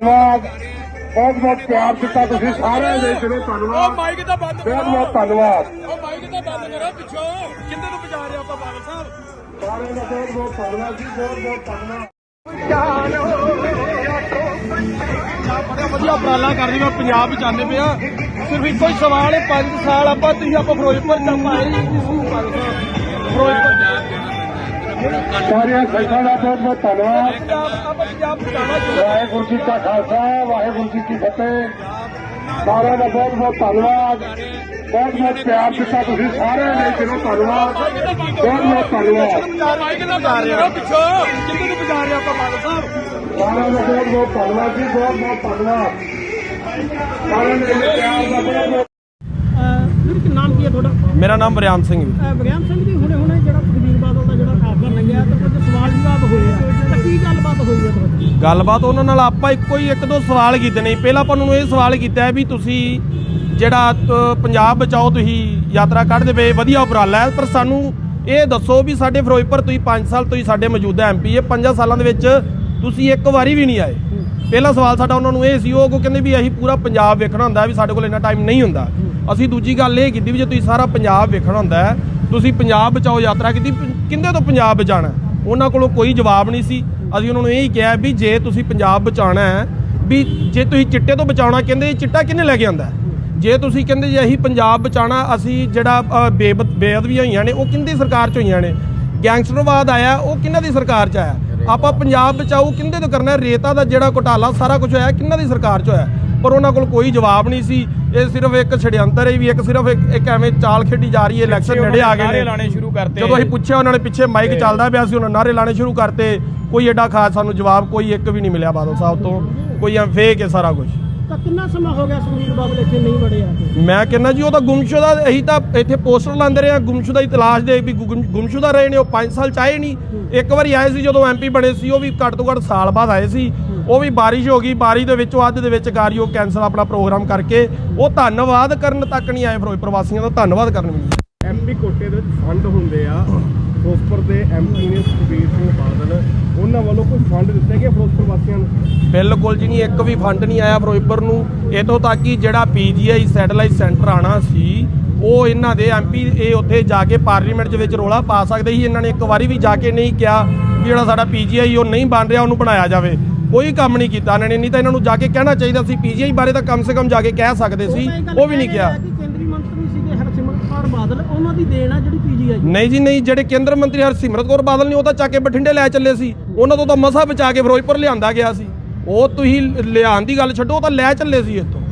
धन्यवाद बहुत बहुत प्यार दिता तुसीं सारे दे दिलों धन्यवाद माइक दा बंद बहुत बहुत धन्यवाद माइक दा बंद करो पिछो किंदे तो बजा रहे आप बादल साहब सारे का बहुत बहुत धन्यवाद जी बहुत बहुत धन्यवाद बड़ा वधिया उपराला कर रही पंजाब चाहते पे सिर्फ एक ही सवाल है 5 साल आप फिरोजपुर सारिया संघां का बहुत बहुत धन्यवाद वाहेगुरू जी का खालसा वाहेगुरू जी की फतेह सारे का बहुत बहुत धन्यवाद बहुत बहुत प्यार दिता तुसीं सारे दे दिलों धन्यवाद बहुत बहुत धन्यवाद पिछो किंदे तो बजा रहे आप बादल साहब सारे का बहुत बहुत धन्यवाद जी बहुत बहुत धन्यवाद सारे ने प्यार का बहुत बहुत नाम की है थोड़ा मेरा नाम बरियाम सिंह ਬਰਿਆਮ ਸਿੰਘ ਜੀ ਹੁਣੇ ਜਿਹੜਾ ਸੁਖਬੀਰ ਬਾਦਲ ਦਾ ਜਿਹੜਾ ਫੈਸਲਾ ਲੱਗਿਆ ਤੇ ਕੁਝ ਸਵਾਲ ਜਵਾਬ ਹੋਏ ਆ ਤਾਂ ਕੀ ਗੱਲਬਾਤ ਹੋਈ ਹੈ ਤੁਹਾਡੀ ਗੱਲਬਾਤ ਉਹਨਾਂ ਨਾਲ ਆਪਾਂ ਇੱਕ ਦੋ ਸਵਾਲ ਕੀਤੇ ਨੇ। ਪਹਿਲਾਂ ਆਪਾਂ ਨੂੰ ਇਹ ਸਵਾਲ ਕੀਤਾ ਹੈ ਵੀ ਤੁਸੀਂ ਜਿਹੜਾ ਪੰਜਾਬ ਬਚਾਓ ਤੁਸੀਂ ਯਾਤਰਾ ਕੱਢਦੇ ਪਏ ਵਧੀਆ ਉਪਰਾਲਾ ਹੈ, ਪਰ ਸਾਨੂੰ ਇਹ ਦੱਸੋ ਵੀ ਸਾਡੇ ਫਿਰੋਜ਼ਪੁਰ ਤੁਸੀਂ 5 ਸਾਲ ਤੁਸੀਂ ਸਾਡੇ ਮੌਜੂਦਾ MP ਹੈ 5 ਸਾਲਾਂ ਦੇ ਵਿੱਚ ਤੁਸੀਂ ਇੱਕ ਵਾਰੀ ਵੀ ਨਹੀਂ ਆਏ। ਪਹਿਲਾ ਸਵਾਲ ਸਾਡਾ ਉਹਨਾਂ ਨੂੰ ਇਹ ਸੀ, ਉਹ ਕਹਿੰਦੇ ਵੀ ਅਸੀਂ ਪੂਰਾ ਪੰਜਾਬ ਵੇਖਣਾ ਹੁੰਦਾ ਵੀ ਸਾਡੇ ਕੋਲ ਇੰਨਾ ਟਾਈਮ ਨਹੀਂ ਹੁੰਦਾ। ਅਸੀਂ ਦੂਜੀ ਗੱਲ ਇਹ ਕੀਤੀ ਵੀ ਜੇ ਤੁਸੀਂ ਸਾਰਾ ਪੰਜਾਬ ਵੇਖਣਾ ਹੁੰਦਾ ਹੈ ਤੁਸੀਂ ਪੰਜਾਬ ਬਚਾਓ ਯਾਤਰਾ ਕੀਤੀ, ਕਿੰਦੇ ਤੋਂ ਪੰਜਾਬ ਬਚਾਉਣਾ? ਉਹਨਾਂ ਕੋਲੋਂ ਕੋਈ ਜਵਾਬ ਨਹੀਂ ਸੀ। ਅਸੀਂ ਉਹਨਾਂ ਨੂੰ ਇਹ ਹੀ ਕਿਹਾ ਵੀ ਜੇ ਤੁਸੀਂ ਪੰਜਾਬ ਬਚਾਉਣਾ ਹੈ ਵੀ ਜੇ ਤੁਸੀਂ ਚਿੱਟੇ ਤੋਂ ਬਚਾਉਣਾ, ਕਹਿੰਦੇ ਚਿੱਟਾ ਕਿਹਨੇ ਲੈ ਕੇ ਆਉਂਦਾ? ਜੇ ਤੁਸੀਂ ਕਹਿੰਦੇ ਜੇ ਅਸੀਂ ਪੰਜਾਬ ਬਚਾਉਣਾ, ਅਸੀਂ ਜਿਹੜਾ ਬੇਅਦਬੀਆਂ ਹੋਈਆਂ ਨੇ ਉਹ ਕਿੰਦੀ ਸਰਕਾਰ 'ਚ ਹੋਈਆਂ ਨੇ, ਗੈਂਗਸਟਰਵਾਦ ਆਇਆ ਉਹ ਕਿਹਨਾਂ ਦੀ ਸਰਕਾਰ 'ਚ ਆਇਆ, ਆਪਾਂ ਪੰਜਾਬ ਬਚਾਓ ਕਿੰਦੇ ਤੋਂ ਕਰਨਾ? ਰੇਤਾ ਦਾ ਜਿਹੜਾ ਘੁਟਾਲਾ ਸਾਰਾ ਕੁਝ ਹੋਇਆ ਕਿਹਨਾਂ ਦੀ ਸਰਕਾਰ 'ਚ ਹੋਇਆ? ਪਰ ਉਹਨਾਂ ਕੋਲ ਕੋਈ ਜਵਾਬ ਨਹੀਂ ਸੀ। ਇਹ ਸਿਰਫ ਇੱਕ ਛੜਯੰਤਰ ਹੈ ਵੀ ਇੱਕ ਐਵੇਂ ਚਾਲ ਖੇਡੀ ਜਾ ਰਹੀ ਹੈ। ਇਲੈਕਸ਼ਨ ਨੇੜੇ ਆ ਗਏ ਨੇ, ਲਾਣੇ ਸ਼ੁਰੂ ਕਰਤੇ। ਜਦੋਂ ਅਸੀਂ ਪੁੱਛਿਆ ਉਹਨਾਂ ਨੇ ਪਿੱਛੇ ਮਾਈਕ ਚੱਲਦਾ ਪਿਆ ਸੀ, ਉਹਨਾਂ ਨਾਰੇ ਲਾਣੇ ਸ਼ੁਰੂ ਕਰਤੇ। ਕੋਈ ਐਡਾ ਖਾਸ ਸਾਨੂੰ ਜਵਾਬ ਕੋਈ ਇੱਕ ਵੀ ਨਹੀਂ ਮਿਲਿਆ ਬਾਦਲ ਸਾਹਿਬ ਤੋਂ। ਕੋਈ ਫੇਕ ਹੈ ਸਾਰਾ ਕੁਝ। ਤਾਂ ਕਿੰਨਾ ਸਮਾਂ ਹੋ ਗਿਆ ਸੁਖਬੀਰ ਬਾਦਲ ਇੱਥੇ ਨਹੀਂ ਵੜੇ ਆ? ਮੈਂ ਕਹਿੰਦਾ ਜੀ ਉਹ ਤਾਂ ਗੁੰਮਸ਼ੁਦਾ, ਅਸੀਂ ਤਾਂ ਇੱਥੇ ਪੋਸਟਰ ਲਾਉਂਦੇ ਰਹੇ ਹਾਂ ਗੁੰਮਸ਼ੁਦਾ ਦੀ ਤਲਾਸ਼ ਦੇ ਵੀ ਗੁੰਮਸ਼ੁਦਾ ਰਹੇ ਨੇ। ਉਹ 5 ਸਾਲ ਚਾਹੇ ਨਹੀਂ। ਇੱਕ ਵਾਰੀ ਆਏ ਸੀ ਜਦੋਂ MP ਬਣੇ ਸੀ, ਉਹ ਵੀ ਘੱਟ ਤੋਂ ਘੱਟ ਸਾਲ ਬਾਅਦ ਆਏ ਸੀ। ਉਹ ਵੀ ਬਾਰਿਸ਼ ਹੋ ਗਈ, ਬਾਰਿਸ਼ ਦੇ ਵਿੱਚੋਂ ਅੱਧ ਦੇ ਵਿੱਚ ਕਾਰਿਓ ਕੈਂਸਲ ਆਪਣਾ ਪ੍ਰੋਗਰਾਮ ਕਰਕੇ ਉਹ ਧੰਨਵਾਦ ਕਰਨ ਤੱਕ ਨਹੀਂ ਆਏ। ਫਿਰੋਜ਼ਪੁਰ ਵਾਸੀਆਂ ਦਾ ਧੰਨਵਾਦ ਕਰਨ ਵੀ। MP ਕੋਟੇ ਦੇ ਵਿੱਚ ਫੰਡ ਹੁੰਦੇ ਆ, ਫਿਰੋਜ਼ਪੁਰ ਦੇ MP ਨੇ ਸੁਖਬੀਰ ਸਿੰਘ ਬਾਦਲ, ਉਹਨਾਂ ਵੱਲੋਂ ਕੋਈ ਫੰਡ ਦਿੱਤੇ ਗਏ ਫਿਰੋਜ਼ਪੁਰ ਵਾਸੀਆਂ ਨੂੰ? ਬਿਲਕੁਲ ਜੀ ਨਹੀਂ, ਇੱਕ ਵੀ ਫੰਡ ਨਹੀਂ ਆਇਆ ਫਿਰੋਜ਼ਪੁਰ ਨੂੰ। ਇੱਥੋਂ ਤੱਕ ਕਿ ਜਿਹੜਾ PGI ਸੈਟੇਲਾਈਟ ਸੈਂਟਰ ਆਣਾ ਸੀ ਉਹ ਇਹਨਾਂ ਦੇ MP ਇਹ ਉੱਥੇ ਜਾ ਕੇ ਪਾਰਲੀਮੈਂਟ ਦੇ ਵਿੱਚ ਰੋਲਾ ਪਾ ਸਕਦੇ ਸੀ। ਇਹਨਾਂ ਨੇ ਇੱਕ ਵਾਰੀ ਵੀ ਜਾ ਕੇ ਨਹੀਂ ਕਿਹਾ ਵੀ ਜਿਹੜਾ ਸਾਡਾ PGI ਉਹ ਨਹੀਂ ਬਣ ਰਿਹਾ ਉਹਨੂੰ ਬਣਾਇਆ ਜਾਵੇ। ਕੋਈ ਕੰਮ ਨਹੀਂ ਕੀਤਾ ਇਹਨਾਂ ਨੇ। ਨਹੀਂ ਤਾਂ ਇਹਨਾਂ ਨੂੰ ਜਾ ਕੇ ਕਹਿਣਾ ਚਾਹੀਦਾ ਸੀ, PGI ਬਾਰੇ ਤਾਂ ਕਮ ਸੇ ਕਮ ਜਾ ਕੇ ਕਹਿ ਸਕਦੇ ਸੀ, ਉਹ ਵੀ ਨਹੀਂ ਕਿਹਾ। ਕੇਂਦਰੀ ਮੰਤਰੀ ਸੀਗੇ ਹਰਸਿਮਰਤ ਕੌਰ ਬਾਦਲ, ਉਹਨਾਂ ਦੀ ਦੇਣ ਆ ਜਿਹੜੀ PGI। ਨਹੀਂ ਜੀ ਨਹੀਂ, ਜਿਹੜੇ ਕੇਂਦਰ ਮੰਤਰੀ ਹਰਸਿਮਰਤ ਕੌਰ ਬਾਦਲ ਨੇ ਉਹ ਤਾਂ ਚੱਕ ਕੇ ਬਠਿੰਡੇ ਲੈ ਚੱਲੇ ਸੀ। ਉਹਨਾਂ ਤੋਂ ਤਾਂ ਮਸਾ ਬਚਾ ਕੇ ਫਿਰੋਜ਼ਪੁਰ ਲਿਆਂਦਾ ਗਿਆ ਸੀ। ਉਹ ਤੁਸੀਂ ਲਿਆਉਣ ਦੀ ਗੱਲ ਛੱਡੋ, ਉਹ ਤਾਂ ਲੈ ਚੱਲੇ ਸੀ ਇੱਥੋਂ।